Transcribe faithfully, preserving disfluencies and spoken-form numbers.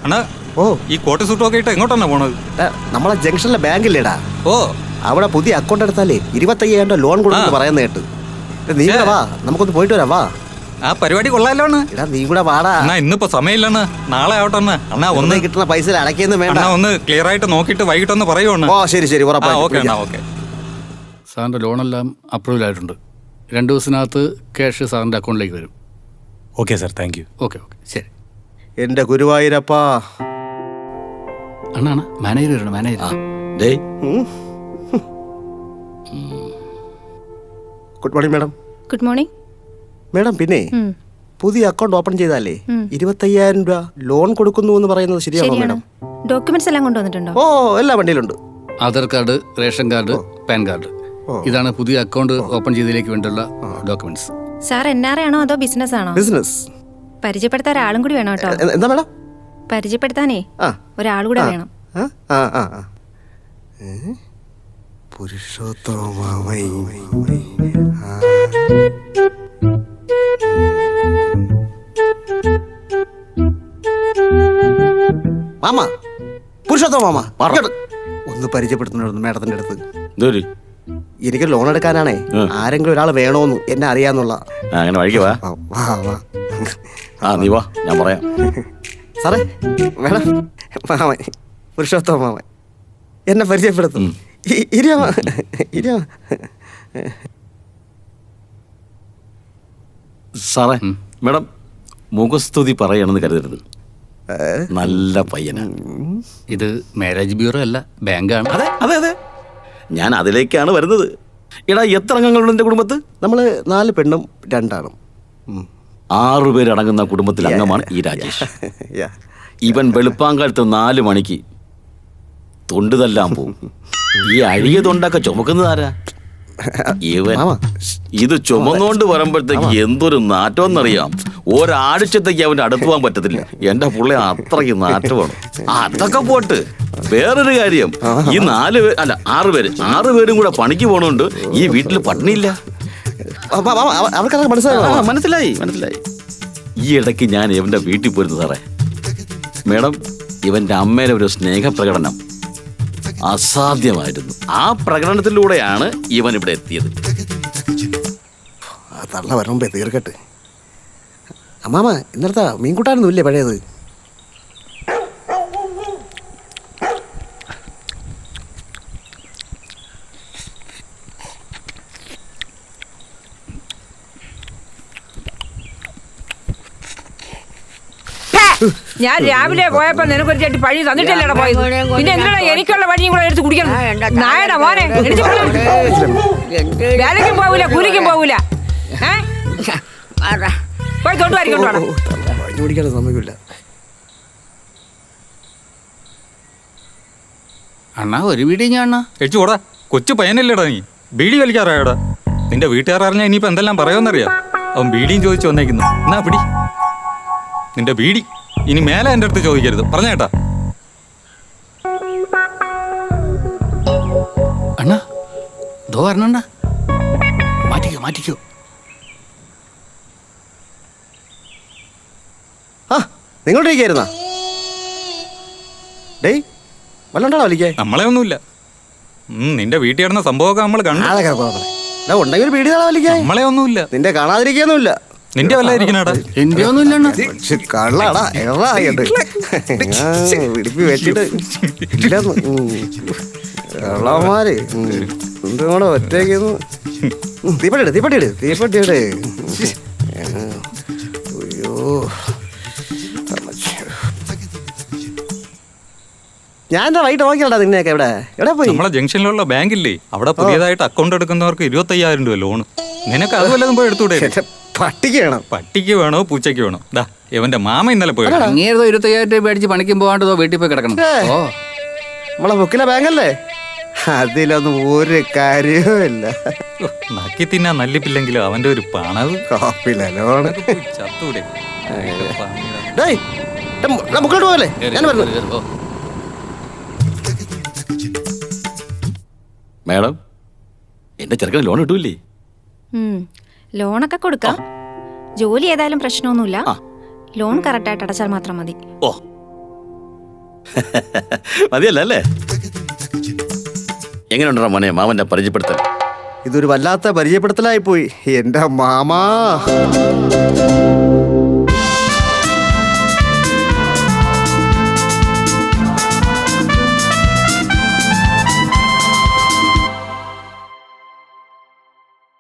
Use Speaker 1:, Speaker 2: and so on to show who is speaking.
Speaker 1: അണ്ണാ
Speaker 2: ഓ
Speaker 1: ഈ കോട്ട് സൂട്ടൊക്കെ ഇട്ട് എങ്ങോട്ടാണ് പോണത്?
Speaker 2: നമ്മളെ ജംഗ്ഷനിലെ ബാങ്കില്ലേടാ.
Speaker 1: ഓ
Speaker 2: അവിടെ പുതിയ അക്കൗണ്ട് എടുത്താലേ ഇരുപത്തയ്യായിരം രൂപ ലോൺ കൊടുക്കുന്നു പറയുന്ന കേട്ട്. നീ കൂടെ വാ, നമുക്കൊന്ന് പോയിട്ട് വരാം. വാ,
Speaker 1: ആ പരിപാടി കൊള്ളാലോ അണ്ണാ.
Speaker 2: എടാ നീ കൂടെ വാടാ.
Speaker 1: അണ്ണാ ഇന്നിപ്പോ സമയമില്ലണ്ണ, നാളെ ആവട്ടെ അണ്ണാ. അണ്ണാ ഒന്ന്
Speaker 2: കിട്ടുന്ന പൈസ അടയ്ക്കൊന്നും വേണ്ട.
Speaker 1: അണ്ണാ ഒന്ന് ക്ലിയർ ആയിട്ട് നോക്കിയിട്ട് വൈകിട്ടൊന്ന് പറയുവാണ്.
Speaker 2: ഓ ശരി ശരി,
Speaker 1: ഓക്കെ അണ്ണാ. ഓക്കെ,
Speaker 3: സാറിൻ്റെ ലോണെല്ലാം അപ്രൂവൽ ആയിട്ടുണ്ട്. രണ്ട് ദിവസത്തിനകത്ത് ക്യാഷ് സാറിൻ്റെ അക്കൗണ്ടിലേക്ക് വരും.
Speaker 4: Okay sir, thank you.
Speaker 3: Okay okay ശരി.
Speaker 2: എന്റെ ഗുരുവായൂരപ്പാ.
Speaker 3: അണ്ണാ അണ്ണാ മാനേജർ വരണം, manager.
Speaker 2: Good morning madam.
Speaker 5: Good morning
Speaker 2: madam. പിന്നെ പുതിയ അക്കൗണ്ട് ഓപ്പൺ ചെയ്താലേ ഇരുപത്തയ്യായിരം രൂപ ലോൺ കൊടുക്കുന്നു എന്ന് പറയുന്നത് ശരിയാണോ മാഡം?
Speaker 5: ഡോക്യുമെന്റ്സ് എല്ലാം കൊണ്ടുവന്നിട്ടുണ്ടോ?
Speaker 2: ഓ എല്ലാ വണ്ടിയിലുണ്ട്.
Speaker 3: Aadhaar card, ration card, PAN card. ഇതാണ് പുതിയ അക്കൗണ്ട് ഓപ്പൺ ചെയ്തതിലേക്ക് വേണ്ടിയുള്ള documents.
Speaker 5: Sir N R I ആണോ അതോ ബിസിനസ് ആണോ?
Speaker 2: ബിസിനസ്.
Speaker 5: പരിചയപ്പെടുത്താൻ ഒരാളും കൂടി വേണം കേട്ടോ.
Speaker 2: എന്താ മാഡം?
Speaker 5: പരിചയപ്പെടുത്താനേ ഒരാൾ കൂടെ വേണം.
Speaker 2: മാമ, പുരുഷോത്തമ മാമ, ഒന്ന് പരിചയപ്പെടുത്തുന്നു മാഡത്തിന്റെ അടുത്ത്. എനിക്ക് ലോൺ എടുക്കാനാണേ, ആരെങ്കിലും ഒരാൾ വേണോന്ന് എന്നെ അറിയാന്നുള്ള.
Speaker 6: അങ്ങനെ വഴിക്ക് വാ. ആ നീ വാ, ഞാൻ പറയാം.
Speaker 2: സാറേ മേഡം, മാമൻ പുരുഷോത്തമ മാമൻ എന്നെ പരിചയപ്പെടുത്തും.
Speaker 6: സാറേ മേഡം മുഖസ്തുതി പറയണമെന്ന് കരുതരുത്. നല്ല പയ്യനാണ്.
Speaker 3: ഇത് മാരേജ് ബ്യൂറോ അല്ല, ബാങ്കാണ്.
Speaker 6: അതെ അതെ അതെ, ഞാൻ അതിലേക്കാണ് വരുന്നത്. എടാ എത്ര അംഗങ്ങളുണ്ട് എൻ്റെ കുടുംബത്ത്?
Speaker 2: നമ്മൾ നാല് പെണ്ണും രണ്ടാണും.
Speaker 6: ആറു പേരടങ്ങുന്ന കുടുംബത്തിൽ അംഗമാണ് ഈ രാജേഷ്. ഇവൻ വെളുപ്പാങ്കാലത്ത് നാല് മണിക്ക് തൊണ്ട് തല്ലാൻ പോവും. ഈ അഴിയ തൊണ്ടൊക്കെ ചുമക്കുന്നതാരാ? ഇവൻ. ഇത് ചുമന്നുകൊണ്ട് വരുമ്പോഴത്തേക്ക് എന്തൊരു നാറ്റമെന്നറിയാം. ഒരാഴ്ചത്തേക്ക് അവൻ്റെ അടുത്ത് പോകാൻ പറ്റത്തില്ല. എൻ്റെ പുള്ളി അത്രയ്ക്ക് നാറ്റമാണ്. അതൊക്കെ പോട്ട്, വേറൊരു കാര്യം, ഈ നാല് പേര് അല്ല ആറ് പേര് ആറ് പേരും കൂടെ പണിക്ക് പോണോണ്ട് ഈ വീട്ടിൽ പട്ടിണിയില്ല. മനസ്സിലായി മനസ്സിലായി. ഈ ഇടയ്ക്ക് ഞാൻ ഇവന്റെ വീട്ടിൽ പോയിരുന്നു സാറേ. മേഡം, ഇവന്റെ അമ്മയുടെ ഒരു സ്നേഹപ്രകടനം അസാധ്യമായിരുന്നു. ആ പ്രകടനത്തിലൂടെയാണ് ഇവൻ ഇവിടെ എത്തിയത്.
Speaker 2: തള്ള വരുമ്പോ തീർക്കട്ടെ. അമ്മാമ ഇന്നലത്തെ മീൻകൂട്ടാനൊന്നും ഇല്ലേ പഴയത്?
Speaker 7: ഞാൻ രാവിലെ പോയപ്പോ നിനക്കൊരു ചേട്ടി പഴി തന്നിട്ടല്ലേടാ പോയത്. പിന്നെ എന്തിനാ എനിക്കുള്ള പഴിയും കൂടെ എടുത്ത് കുടിക്കണം? നായടാ മോനെ, വേലയ്ക്കും പോവൂല കൂലിക്കും പോവൂല. പോയി തൊണ്ടു വാരിക്കൊണ്ടോടാ.
Speaker 2: കുടിക്കാൻ സമ്മതിക്കില്ല.
Speaker 3: അണ്ണാ ഒരു വീഡിയോ ഞാൻ അണ്ണാ
Speaker 1: കഴിച്ചു കൂടാ. കൊച്ചു പയ്യനല്ലേടാ നീ, ബീഡി വലിക്കാറായടാ. നിന്റെ വീട്ടുകാരറിഞ്ഞാൽ ഇനിയിപ്പോ എന്തെല്ലാം പറയുമെന്നറിയാം. അവൻ ബീഡിയും ചോദിച്ചു വന്നേക്കുന്നു. എന്നാ പിടി നിന്റെ ബീഡി. ഇനി മേലെ എൻ്റെ അടുത്ത് ചോദിക്കരുത്, പറഞ്ഞേട്ടാ.
Speaker 3: അണ്ണാ ദോ വരണ, മാറ്റിക്കോ മാറ്റിക്കോ.
Speaker 2: ആ നിങ്ങളോട്ടിരിക്കായിരുന്നാ? ഡേയ് വല്ലണ്ടാ വലിക്കേ?
Speaker 1: നമ്മളെ ഒന്നുമില്ല. നിന്റെ വീട്ടിൽ കിടന്ന സംഭവമൊക്കെ നമ്മൾ കണ്ടു.
Speaker 2: ഉണ്ടെങ്കിൽ വീട് കാണാൻ വലിക്കേ?
Speaker 1: നമ്മളെ ഒന്നുമില്ല.
Speaker 2: നിന്റെ കാണാതിരിക്കാന്നുമില്ല.
Speaker 1: നിന്റെ വല്ല ഇരിക്കണടാ?
Speaker 3: എന്റെ ഒന്നുമില്ല.
Speaker 2: കള്ളാടാ എറായിട്ട് പിടിപ്പി വെച്ചിട്ട് കള്ളമാര് എന്തും കൂടെ ഒറ്റയ്ക്കുന്നു. തീപ്പട്ടിട് തീപ്പട്ടിട് തീപ്പട്ടിയുടെ. അയ്യോ ഞാൻ എന്താ വൈകിട്ട് നോക്കിയാടാ നിന്നെയൊക്കെ. എവിടെ എവിടെ പോയി?
Speaker 1: നമ്മളെ ജംഗ്ഷനിലുള്ള ബാങ്കില്ലേ, അവിടെ പുതിയതായിട്ട് അക്കൗണ്ട് എടുക്കുന്നവർക്ക് ഇരുപത്തയ്യായിരം രൂപ ലോണ്. നിനക്ക് അത് വല്ലതും പോയി എടുത്തൂടെ?
Speaker 2: പട്ടിക്ക് വേണം.
Speaker 1: പട്ടിക്ക് വേണോ പൂച്ചയ്ക്ക് വേണോ? ദാ ഇവന്റെ മാമ ഇന്നലെ പോയി.
Speaker 3: അങ്ങേതോ ഇരുപത്തയ്യായിരം രൂപ മേടിച്ച് പണിക്കും പോകാണ്ടോ വീട്ടിൽ പോയി കിടക്കണം. ഓ
Speaker 2: നമ്മളെ ബുക്കിലെ ബാങ്കല്ലേ, അതിലൊന്നും ഒരു കാര്യവുമില്ല.
Speaker 1: നക്കി തിന്നാൻ നല്ലിപ്പില്ലെങ്കിലും അവന്റെ ഒരു പണവ്
Speaker 2: ചത്തൂടെ. മുക്കോട്ട് പോകല്ലേ, ഞാൻ പറഞ്ഞു.
Speaker 6: മേഡം, എന്റെ ചെറുക്കന് ലോൺ കിട്ടൂല്ലേ?
Speaker 5: ലോണൊക്കെ കൊടുക്കാം. ജോലി ഏതായാലും പ്രശ്നമൊന്നുമില്ല. ലോൺ കറക്റ്റായിട്ട് അടച്ചാൽ മാത്രം മതി.
Speaker 6: ഓ മതിയല്ല അല്ലേ? എങ്ങനെയുണ്ടാ മോനെ മാമന്റെ പരിചയപ്പെടുത്തൽ?
Speaker 2: ഇതൊരു വല്ലാത്ത പരിചയപ്പെടുത്തലായി പോയി എന്റെ മാമാ.